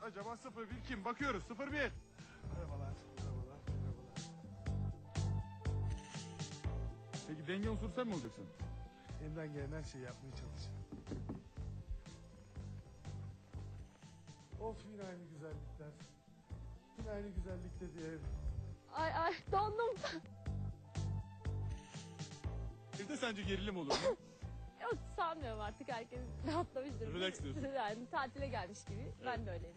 acaba 01 kim? Bakıyoruz 01. Merhabalar. Merhabalar. Merhabalar. Peki denge unsuru sen mi olacaksın? Elimden gelen her şeyi yapmaya çalışacağım. Of yine aynı güzellikler. Yine aynı güzellikte diye. Ay dondum. Evde sence gerilim olur mu? Yok sanmıyorum artık herkes rahatlamıştır. Relax diyorsun. Yani tatile gelmiş gibi. Ben de öyleyim.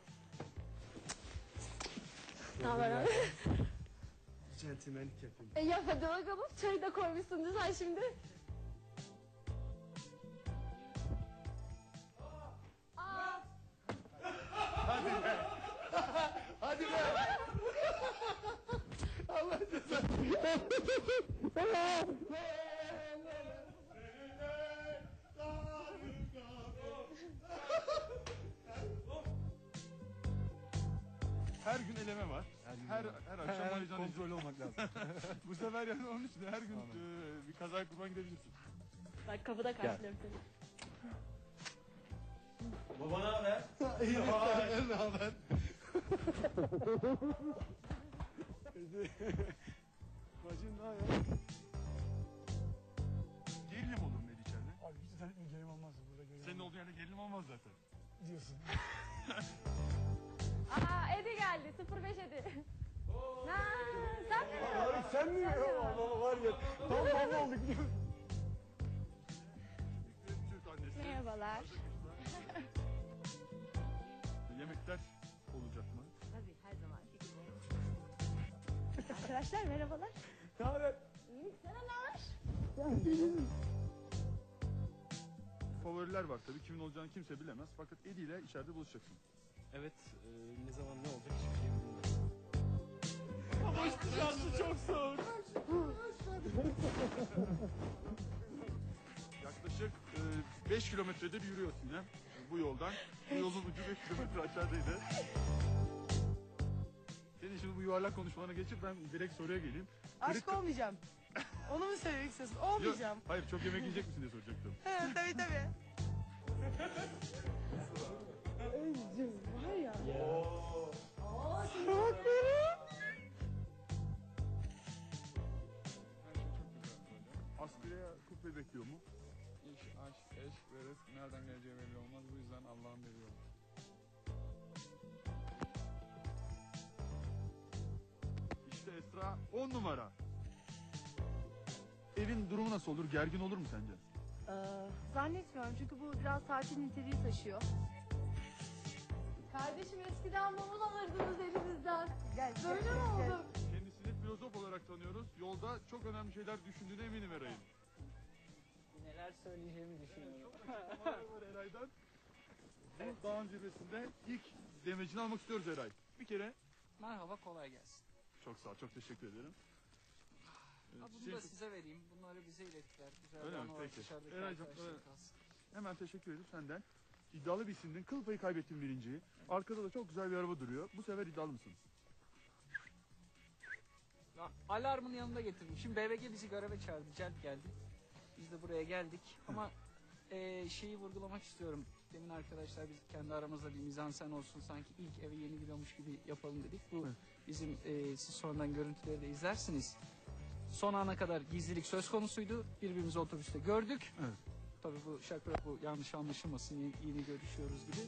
Ne haber abi? Centilmenlik yapayım. Yap hadi bakalım. Çayı da koymuşsun sen şimdi. Aa, Hadi be! Allah cezanı. Her gün eleme var. Her akşam heyecan kontrol olmak lazım. Bu sefer yani onun için her gün bir kazaya kurban gidebilirsin. bak kapıda karşılıyorum seni. Baba ne haber? İyi senden ne haber? Bacım ne ya? Gerilim olur mu içeride? Abi hiç zannetmiyorum gerilim olmaz burada gerilim. Senin olduğu yerde gerilim olmaz zaten. diyorsun. Aa Edi geldi. 05 Edi. Ha, sen mi? Sen mi? Allah var ya. Tam baba olduk. Türk annesi. Merhabalar. Yemekler olacak mı? Tabii her zaman gibi. Arkadaşlar merhabalar. Ne haber? İyilik sana ne var? Favoriler var tabii. Kimin olacağını kimse bilemez. Fakat Eddie ile içeride buluşacaksın. Evet, ne zaman ne olacak hiçbir şey bilmiyorum. Dışarısı çok soğuk. Yaklaşık 5 kilometredir yürüyorsun yine bu yoldan. Bu yolun ucu 5 kilometre aşağıdaydı. Senin şimdi bu yuvarlak konuşmalarına geçip ben direkt soruya geleyim. Aşk olmayacağım. Onu mu söylemek istiyorsun? Olmayacağım. Hayır, çok yemek yiyecek misin diye soracaktım. He, tabii tabii. Özcüm var ya. Askıya kuple bekliyor mu? İş, aşk, eş ve rızk nereden geleceği belli olmaz. Bu yüzden Allah'ın veriyor. İşte Esra 10 numara. Evin durumu nasıl olur? Gergin olur mu sence? Zannetmiyorum çünkü bu biraz tatil niteliği taşıyor. Kardeşim eskiden mumul alırdınız elinizden. Gel, Böyle gel, mi gel. oldu? Kendisini filozof olarak tanıyoruz. Yolda çok önemli şeyler düşündüğüne eminim Eray'ın. Neler söyleyeceğimi düşünüyorum. Var Eray'dan. Bu dağın zirvesinde ilk demecini almak istiyoruz Eray. Bir kere Merhaba, kolay gelsin. çok sağ ol, çok teşekkür ederim. Bunu da size vereyim. Bunları bize ilettiler. Güzel Öyle bir mi? anı olarak Peki. dışarıdaki Eraycığım, arkadaşlarım evet. kalsın. Hemen teşekkür edip senden. İddialı bir isimdin. Kıl payı kaybettin birinciyi. Arkada da çok güzel bir araba duruyor. Bu sefer iddialı mısın? Ya, alarmın yanında getirdim. Şimdi BBG bizi göreve çağırdı. Celp geldi. Biz de buraya geldik. Ama şeyi vurgulamak istiyorum. Demin arkadaşlar biz kendi aramızda bir mizansen olsun. Sanki ilk eve yeni giriyormuş gibi yapalım dedik. Bu bizim siz sonradan görüntüleri de izlersiniz. Son ana kadar gizlilik söz konusuydu. Birbirimizi otobüste gördük. Evet. Tabii bu şaka, bu yanlış anlaşılmasın. Yeni görüşüyoruz gibi.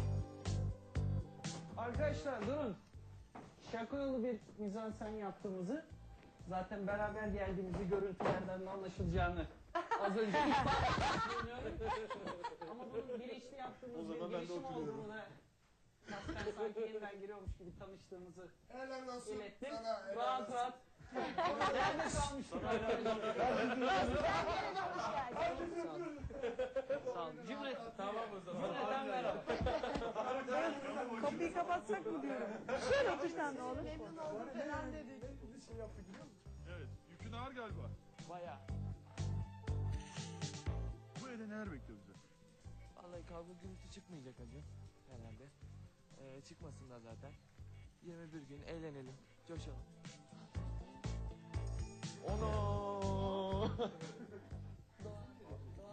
Arkadaşlar durun. Şaka yolu bir mizansen yaptığımızı, zaten beraber geldiğimizi görüntülerden de anlaşılacağını az önce söylüyorum. Ama bunun bilinçli yaptığımız bir girişim olduğunu da ben sanki yeniden giriyormuş gibi tanıştığımızı Helal olsun ilettim. sana. Helal Rahat olsun. rahat. Nerede kalmıştık arkadaşlar? Sağ olun. Sağ olun. Cümle. Tamam o zaman. Cümleten merhaba. Kapıyı kapatsak mı diyorum. Şöyle otursan ne olur. Memnun oldum falan dedik. Bir şey yaptık biliyor musun? Evet. Yükün ağır galiba. Bayağı. Bu evde neler bekliyor bize? Vallahi kavga gürültü çıkmayacak hacı herhalde. Çıkmasın da zaten. 21 gün eğlenelim, coşalım. Ono!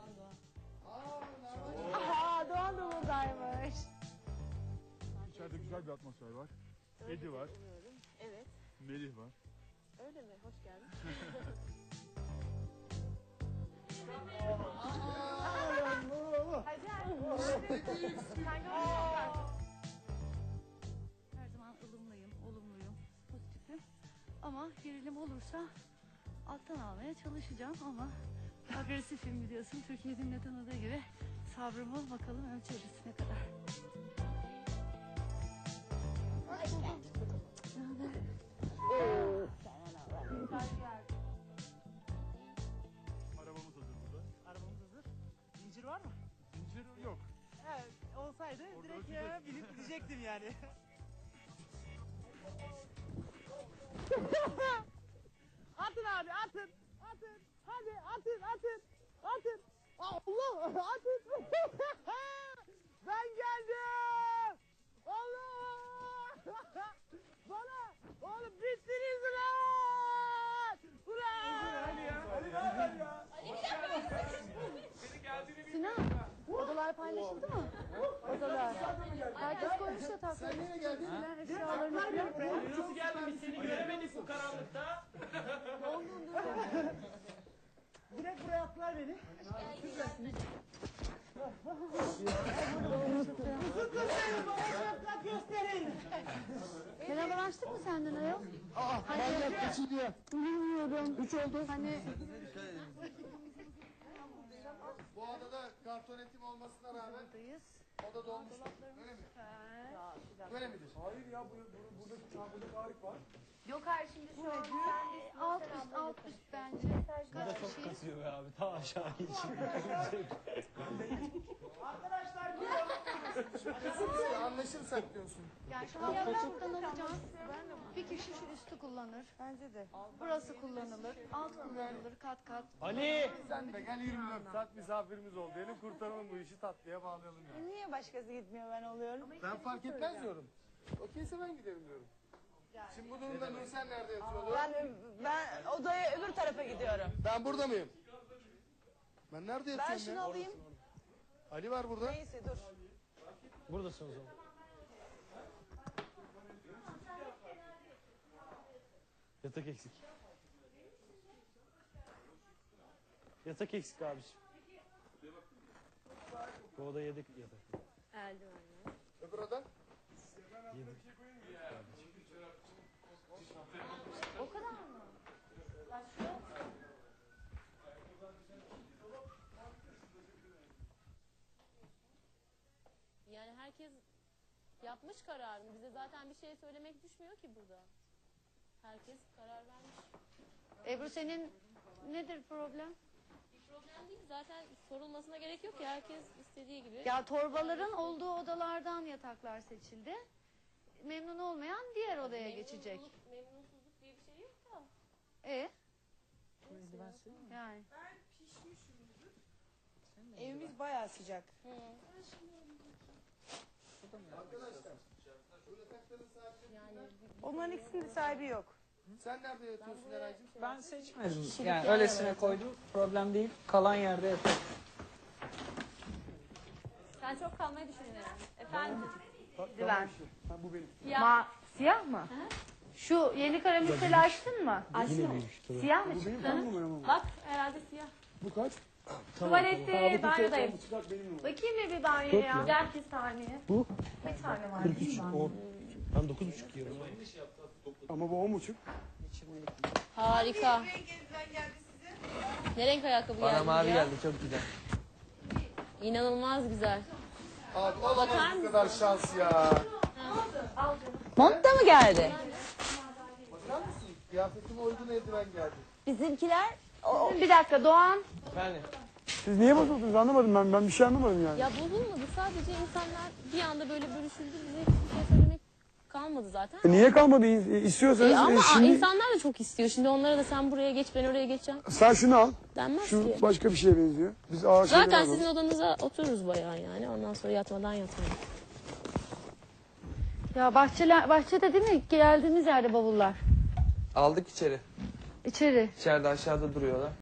Aha Doğan da buradaymış. İçeride güzel güzel bir atmosfer var. Edi var. Evet. Melih var. Öyle mi? Hoş geldin. Her zaman ılımlıyım, olumluyum, pozitifim. Ama gerilim olursa alttan almaya çalışacağım ama agresifim biliyorsun. Türkiye'nin de tanıdığı gibi sabrımı bakalım ölçeriz ne kadar. Arabamız hazır burada. Arabamız hazır. Zincir var mı? Zincir yok. Evet, olsaydı Orada direkt ölçeceğiz. ya binip gidecektim yani. Atın abi, atın. Atın. Hadi atın, atın. Atın. Allah, atın. Ben geldim. Allah. Bana. Oğlum bittiniz ulan. Ulan. Sinan, odalar paylaşıldı mı? Odalar. Herkes koymuş yatakları. Sen nereye geldin? Eşyalarını falan. Nasıl geldin? Biz seni göremedik bu karanlıkta. Direkt buraya attılar beni. Gösterin. Fenalaştık mı senden ayol? Manyak geçiliyor. Bilmiyorum. 3 oldu. Hani Bu adada kartonetim olmasına rağmen buradayız. oda dolmuş. Öyle mi? Böyle midir? Hayır ya burada tarih var. Yok hayır şimdi şu an alt üst bence. Karşı. Kasıyor be abi. Ta aşağı Anlaşırsak diyorsun. Yani şu an üstü kullanacağız. Bir kişi şu üstü kullanır. Bence de. Burası kullanılır. Alt kullanılır kat kat. Ali! Sen de gel 24 saat misafirimiz ol. Benim kurtaralım bu işi tatlıya bağlayalım yani. Niye başkası gitmiyor ben oluyorum? Ben fark etmez diyorum. Okeyse ben giderim diyorum. Şimdi bu durumda Nursel nerede yatıyordu? Ben odaya öbür tarafa gidiyorum. Ben burada mıyım? Ben nerede yatıyorum Ben şunu ya? alayım. Ali var burada. Neyse dur. Buradasın o zaman. Yatak eksik. Yatak eksik abiciğim. Bu oda yedek yatak. Eldivenler. Öbür oda? O kadar mı? Yani herkes yapmış kararını. Bize zaten bir şey söylemek düşmüyor ki burada. Herkes karar vermiş. Ebru senin nedir problem? Bir problem değil. Zaten sorulmasına gerek yok ki. Herkes istediği gibi. Ya torbaların olduğu odalardan yataklar seçildi. Memnun olmayan diğer odaya geçecek. Memnunsuzluk diye bir şey yok da. Yani. Evimiz bayağı sıcak. Onların ikisinin de sahibi yok. Sen nerede yatıyorsun Eraycığım? Ben seçmedim. Yani öylesine koydum. Problem değil. Kalan yerde yatarım. Sen çok kalmayı düşünüyorsun. Efendim? Dilan. Bu benim. Ya. Siyah mı? Şu yeni karamelseli açtın mı? Açtım. Siyah mı çıktı? Bak herhalde siyah. Bu kaç? Tuvalette, banyodayım. Çıkart benim mi? Bakayım bir banyoya. Gel bir saniye. Bu? Bir tane var. 43, 10. Ben 9,5 yiyorum. Ama bu 10,5. Harika. Ne renk ayakkabı Bana geldi mavi ya? geldi çok güzel. İnanılmaz güzel. Abi olamaz Bakar bu mısın? kadar şans ya. Mont da mı geldi? Bakar mısın? Kıyafetime uygun eldiven geldi. Bizimkiler Bir dakika Doğan. Efendim? Siz niye bozuldunuz anlamadım ben bir şey anlamadım yani. Ya bozulmadı. Sadece insanlar bir anda böyle bölüşüldü. Bize hiçbir şey söylemek kalmadı zaten. Niye kalmadı? İstiyorsanız Ama şimdi insanlar da çok istiyor. Şimdi onlara da sen buraya geç ben oraya geçeceğim sen şunu al. denmez Şu ki. başka bir şeye benziyor. Biz ağır şeyler Zaten alalım. sizin odanıza otururuz bayağı yani. Ondan sonra yatmadan yatmayın. Ya bahçede değil mi? Geldiğimiz yerde bavullar. Aldık içeri. İçeri. İçeride aşağıda duruyorlar.